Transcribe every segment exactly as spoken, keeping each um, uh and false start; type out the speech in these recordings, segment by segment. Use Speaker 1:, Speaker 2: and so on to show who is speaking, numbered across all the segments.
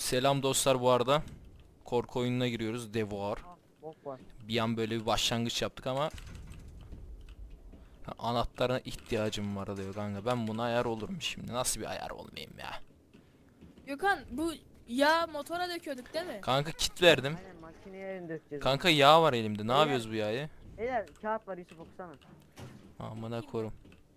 Speaker 1: Selam dostlar bu arada. Korku oyununa giriyoruz. Devoir.
Speaker 2: Ah, bok var.
Speaker 1: Bir an böyle bir başlangıç yaptık ama ha, anahtarına ihtiyacım var diyor kanka. Ben buna ayar olurum şimdi. Nasıl bir ayar olmayayım ya?
Speaker 3: Gökhan bu yağ motora döküyorduk değil mi?
Speaker 1: Kanka kit verdim.
Speaker 2: Aynen makineye yerin dökeceğiz.
Speaker 1: Kanka yağ var elimde. Ne
Speaker 2: Beyler.
Speaker 1: yapıyoruz bu yağı?
Speaker 2: Onu. Beyler kağıt var, Yusuf okusana.
Speaker 1: Amına korum.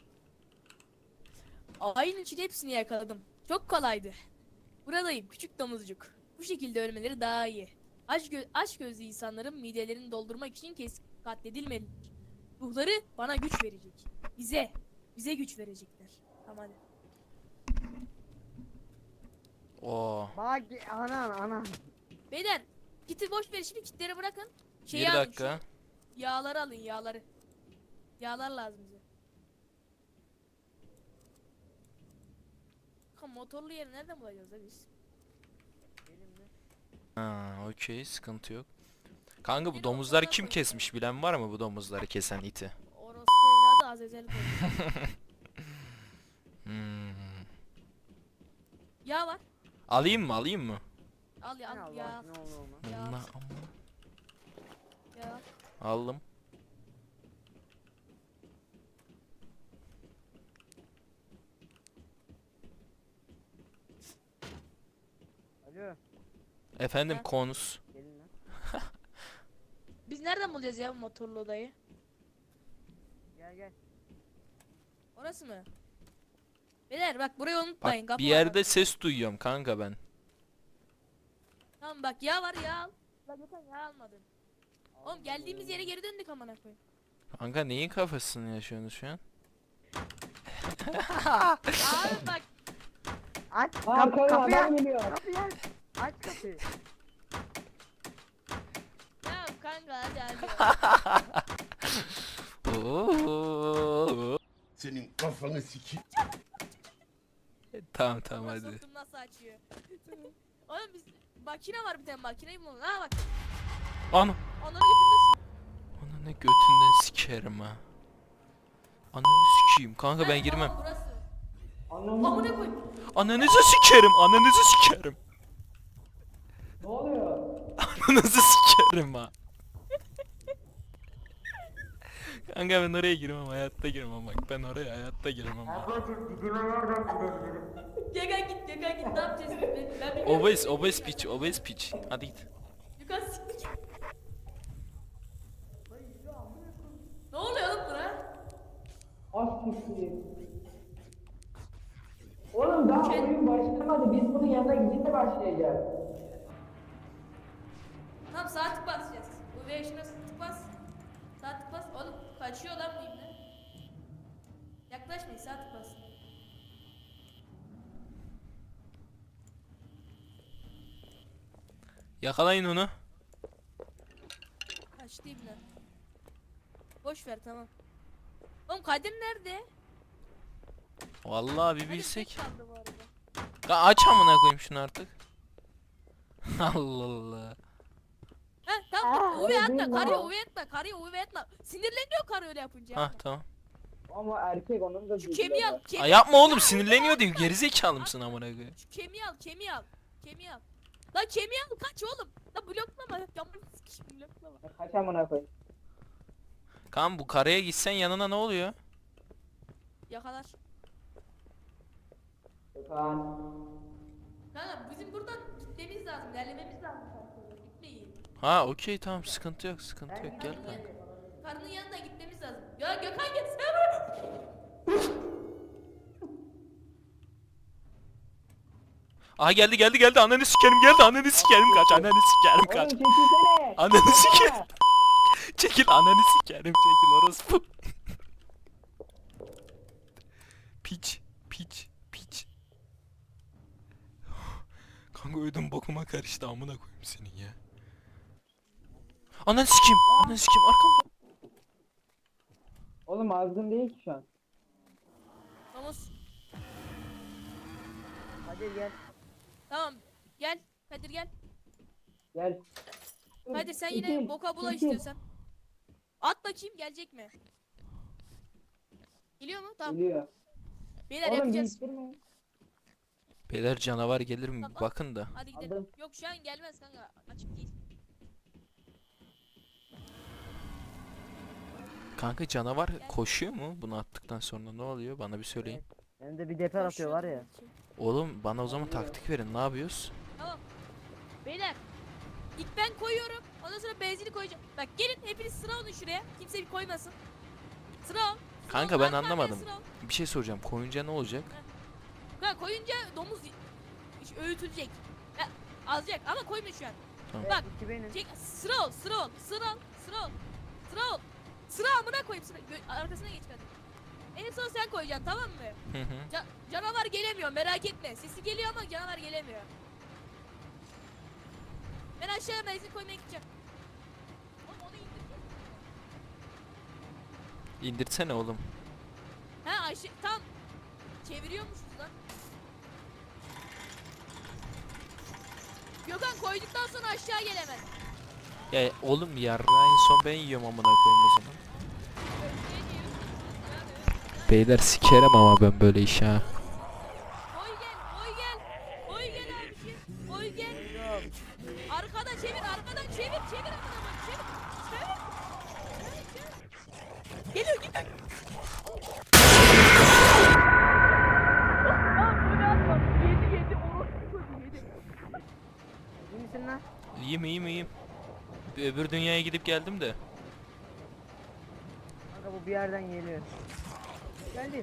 Speaker 3: Ayın için hepsini yakaladım. Çok kolaydı. Buradayım küçük domuzcuk. Bu şekilde ölmeleri daha iyi. Aç, gö aç gözlü insanların midelerini doldurmak için kes katledilmeli. Ruhları bana güç verecek. Bize. Bize güç verecekler. Tamam hadi.
Speaker 1: Oo.
Speaker 2: Bak anan anan.
Speaker 3: Beyler kiti boş ver şimdi kitleri bırakın. Şeyi
Speaker 1: Bir
Speaker 3: alın,
Speaker 1: dakika.
Speaker 3: şu Yağları alın yağları. Yağlar lazım bize. Kanka motorlu yeri nereden bulacağız da biz?
Speaker 2: Elimle.
Speaker 1: Ha, okey, sıkıntı yok. Kanka bu
Speaker 3: Beni
Speaker 1: domuzları
Speaker 3: okuldan
Speaker 1: kim
Speaker 3: koy-
Speaker 1: kesmiş, bilen var mı bu domuzları kesen iti?
Speaker 3: Orospu evladı Azazel koymuş.
Speaker 1: Hmm.
Speaker 3: Yağ var.
Speaker 1: Alayım mı alayım mı?
Speaker 3: Al ya
Speaker 2: Ne
Speaker 3: al
Speaker 2: Allah
Speaker 3: ya.
Speaker 2: ne olur olmaz.
Speaker 3: Ya.
Speaker 1: Allah Allah.
Speaker 3: Ya.
Speaker 1: Aldım.
Speaker 2: Alo.
Speaker 1: Efendim
Speaker 3: Ha.
Speaker 1: konus.
Speaker 2: Gelin lan.
Speaker 3: Biz nereden bulacağız ya bu motorlu odayı?
Speaker 2: Gel gel.
Speaker 3: Orası mı? Beyler bak burayı
Speaker 1: Bak
Speaker 3: unutmayın. Kapı
Speaker 1: bir
Speaker 3: var
Speaker 1: yerde
Speaker 3: bak.
Speaker 1: ses duyuyorum kanka ben.
Speaker 3: Tamam bak yağ var yağ al. Lan Gökhan yağ almadın. Oğlum geldiğimiz yere geri döndük amına koyayım.
Speaker 1: Kanka neyin kafasını yaşıyorsunuz şu an?
Speaker 3: Abi bak.
Speaker 2: Aç
Speaker 4: Aa,
Speaker 2: kap
Speaker 4: köy
Speaker 2: kapıyı
Speaker 4: adam
Speaker 2: aç.
Speaker 4: geliyor.
Speaker 2: Kapıyı aç. Aç kapıyı.
Speaker 3: Tamam kanka hadi hadi.
Speaker 1: Oo.
Speaker 5: Senin kafanı sikeyim.
Speaker 1: Tamam tamam
Speaker 3: Ona
Speaker 1: hadi.
Speaker 3: soktum nasıl açıyor. Oğlum biz makine var bir tane makineyi bulalım. Ha bak.
Speaker 1: Ana.
Speaker 3: Onları götürdü.
Speaker 1: Ana ne götünden sikerim ha. Ananı sikeyim kanka ben girmem.
Speaker 3: Burası.
Speaker 4: Anlamı
Speaker 3: Amına koy.
Speaker 1: Ananızı sikerim, ananızı sikerim.
Speaker 4: ne oluyor?
Speaker 1: Ananızı sikerim ha. Kanka ben oraya girmem, hayatta girmem bak. Ben oraya hayatta girmem ha.
Speaker 3: Gökhan git Gökhan git ne yapacağız? Ben, ben bilmiyorum.
Speaker 1: Obez, obez piç, obez piç. Hadi git.
Speaker 3: Gökhan siktir git. Ne oluyor oğlum buna?
Speaker 4: Az kişi. Oğlum daha oyun başlamadı. Biz bunun yanına gidince başlayacağız.
Speaker 3: Tamam sağ tık basacağız. Bu ve şuna tık bas. Sağ tık bas. Oğlum kaçıyor lan bu ibne. Yaklaşmayın sağ tık bas.
Speaker 1: Yakalayın onu.
Speaker 3: Kaçtı ibne. Boş ver tamam. Oğlum Kadir nerede?
Speaker 1: Vallahi bir
Speaker 3: Kadir
Speaker 1: bilsek.
Speaker 3: tek kaldı bu arada.
Speaker 1: Ya aç amına koyayım şunu artık. Allah Allah.
Speaker 3: Ha tamam. Uve
Speaker 4: öyle
Speaker 3: atma.
Speaker 4: değil
Speaker 3: Karıya
Speaker 4: lan.
Speaker 3: uve atma. Karıya uve atma. Sinirleniyor karı öyle yapınca.
Speaker 1: Ha
Speaker 3: yapma.
Speaker 1: tamam.
Speaker 4: Ama erkek onun da
Speaker 3: Şu kemiği al.
Speaker 1: Aa,
Speaker 3: Kemiği,
Speaker 1: yapma oğlum, sinirleniyor diyor. Gerizekalı mısın amına koyayım?
Speaker 3: şu kemiği al. Kemiği al. Kemiği al. Lan kemiği al. Kaç oğlum. Lan bloklama. Yamur sikişim bloklama.
Speaker 4: Kaç amına koy.
Speaker 1: Kan bu karaya gitsen yanına ne oluyor?
Speaker 3: Yakalar.
Speaker 4: Gökhan.
Speaker 3: Kanka bizim buradan gitmemiz lazım. Ilerlememiz lazım. kanka. Gitmeyin.
Speaker 1: Ha okey tamam, sıkıntı yok sıkıntı yok, gel kanka.
Speaker 3: Karının yanına gitmemiz lazım. Ya Gökhan gitsene.
Speaker 1: Aha geldi geldi geldi, ananı sikerim geldi, ananı sikerim kaç, ananı sikerim
Speaker 4: Oğlum
Speaker 1: kaç.
Speaker 4: çekilsene.
Speaker 1: Ananı sikerim. Çekil, ananı sikerim çekil orospu. Piç piç piç. Kanka ödüm bokuma karıştı, amına koyayım senin ya. Ananı sikeyim, ananı sikeyim arkamda.
Speaker 4: Oğlum azgın değil ki şu an.
Speaker 3: Vamos.
Speaker 2: Hadi gel.
Speaker 3: Tamam. Gel. Kadir gel.
Speaker 4: Gel.
Speaker 3: Kadir sen
Speaker 4: Çekil,
Speaker 3: yine boka bula
Speaker 4: çekil.
Speaker 3: istiyorsan. At bakayım gelecek mi? Geliyor mu? Tamam.
Speaker 4: Geliyor.
Speaker 3: Beyler
Speaker 4: Oğlum
Speaker 3: yapacağız.
Speaker 4: değiştirme.
Speaker 1: Beyler canavar gelir mi?
Speaker 3: Tamam.
Speaker 1: Bakın da.
Speaker 3: Hadi gidelim.
Speaker 4: Aldım.
Speaker 3: Yok şu an gelmez kanka. Açık değil.
Speaker 1: Kanka canavar koşuyor mu? Bunu attıktan sonra ne oluyor? Bana bir söyleyin.
Speaker 2: Hem de bir deper atıyor var ya.
Speaker 3: Koşuyor.
Speaker 1: Oğlum bana o zaman taktik verin. Ne yapıyoruz?
Speaker 3: Tamam. Beyler. İlk ben koyuyorum. Ondan sonra benzini koyacağım. Bak gelin hepiniz sıra olun şuraya. Kimse bir koymasın. Sıra ol. Sıra
Speaker 1: Kanka
Speaker 3: ol,
Speaker 1: ben
Speaker 3: arka arkaya
Speaker 1: anlamadım.
Speaker 3: sıra ol.
Speaker 1: Bir şey soracağım. Koyunca ne olacak?
Speaker 3: Kanka koyunca domuz iş- öğütülecek. Ya, alacak ama koyma şu an.
Speaker 1: Tamam.
Speaker 3: Bak.
Speaker 2: İki benim.
Speaker 3: Çek, sıra ol, sıra ol, sıra ol, sıra ol, sıra ol. Sıra amına koyayım sıra. Gö- arkasına geç hadi. En son sen koyacaksın tamam mı?
Speaker 1: Hı hı.
Speaker 3: Ca- canavar gelemiyor merak etme. Sesi geliyor ama canavar gelemiyor. Ben aşağıya benzin koymaya gideceğim. Oğlum onu indireceğiz.
Speaker 1: İndirsene oğlum.
Speaker 3: Ha aşağı tam çeviriyormuşuz lan. Gökhan koyduktan sonra aşağı gelemez.
Speaker 1: Ya oğlum yarra en son ben yiyorum amına koyayım o zaman. Beyler sikerim ama ben böyle iş ha.
Speaker 3: Oy gel, oy gel. Oy gel abiciğim. Oy gel. Arkada çevir, arkadan çevir, çevir arkadan çevir. Çevir. Çevir, çevir. Geliyor git. Lan böyle atma. Yedi yedi orospu çocuğu yedi.
Speaker 2: İyi misin lan?
Speaker 1: İyiyim iyiyim iyiyim. Bir öbür dünyaya gidip geldim de.
Speaker 2: Kanka bu bir yerden geliyor. Geldi.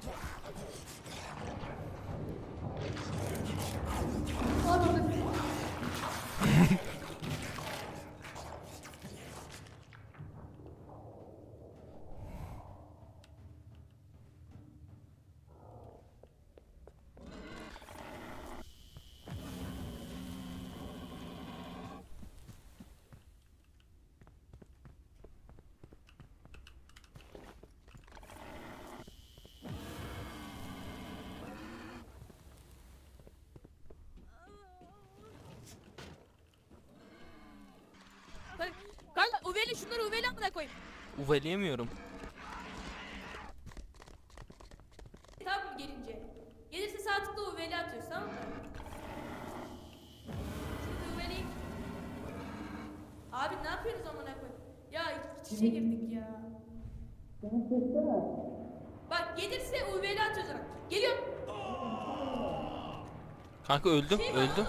Speaker 3: Kanka, kanka uveli şunları uveli amına koyayım.
Speaker 1: Uveleyemiyorum.
Speaker 3: Tamam mı gelince? Gelirse sağ tıkla uveli atıyoruz tamam mı? Şimdi uveli. Abi ne yapıyorsunuz amına koyayım? Ya iç içe girdik ya. Bak gelirse uveli atıyoruz ona. Geliyor.
Speaker 1: Kanka öldüm
Speaker 3: Şey var.
Speaker 1: öldüm.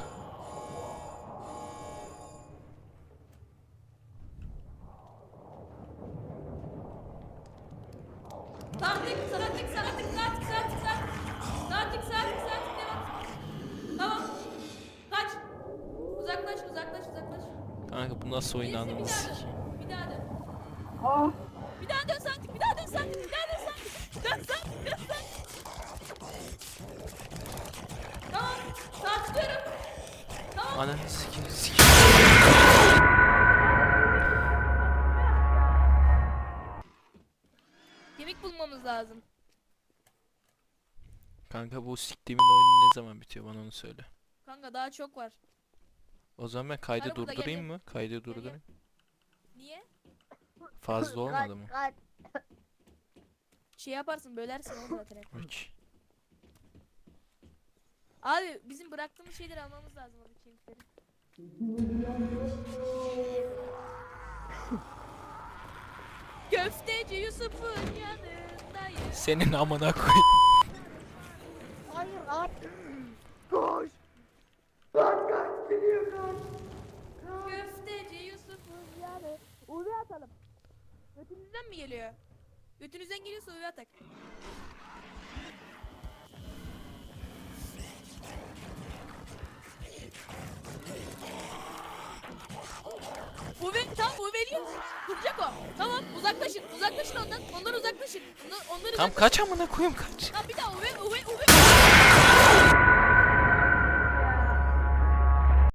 Speaker 3: Sağ tık, sağ tık, sağ tık, sağ tık, sağ tık, sağ tık. Sağ tık, sağ tık, sağ tık, devam. Tamam. Kaç. Uzaklaş, uzaklaş, uzaklaş.
Speaker 1: Kanka bu nasıl oyun
Speaker 3: Gelirse bir
Speaker 1: anladın
Speaker 3: daha
Speaker 1: sikeyim.
Speaker 3: dön. Bir daha dön.
Speaker 4: Aa,
Speaker 3: Bir daha dön sağ tık, bir daha dön sağ tık, bir daha dön sağ tık. Dön sağ tık, dön sağ tık. Tamam. Sağ tıklıyorum. Tamam.
Speaker 1: Ananı sikeyim sikeyim.
Speaker 3: Kemik bulmamız lazım.
Speaker 1: Kanka bu siktiğimin oyunu ne zaman bitiyor bana onu söyle.
Speaker 3: Kanka daha çok var.
Speaker 1: O zaman ben kaydı
Speaker 3: Arabada
Speaker 1: durdurayım
Speaker 3: geldi.
Speaker 1: mı? Kaydı
Speaker 3: gel.
Speaker 1: durdurayım.
Speaker 3: Niye?
Speaker 1: Fazla olmadı mı?
Speaker 2: Kaç, kaç.
Speaker 3: Şey yaparsın bölersin onu zaten. hep.
Speaker 1: Peki.
Speaker 3: Abi bizim bıraktığımız şeyleri almamız lazım orada kemikleri. Köfteci Yusuf'un yanındayım.
Speaker 1: Senin amına koyayım.
Speaker 2: Hayır at. Koş.
Speaker 3: Köfteci Yusuf'un yanı. Uvi atalım. Götünüzden mi geliyor? Götünüzden geliyorsa uvi atak. Uve, tamam uveliyor. Duracak o. Tamam uzaklaşın. Uzaklaşın ondan. Ondan uzaklaşın. Ondan, onları
Speaker 1: Tam
Speaker 3: uzaklaşın.
Speaker 1: kaç amına koyayım kaç.
Speaker 3: Tamam bir daha uve uve uve.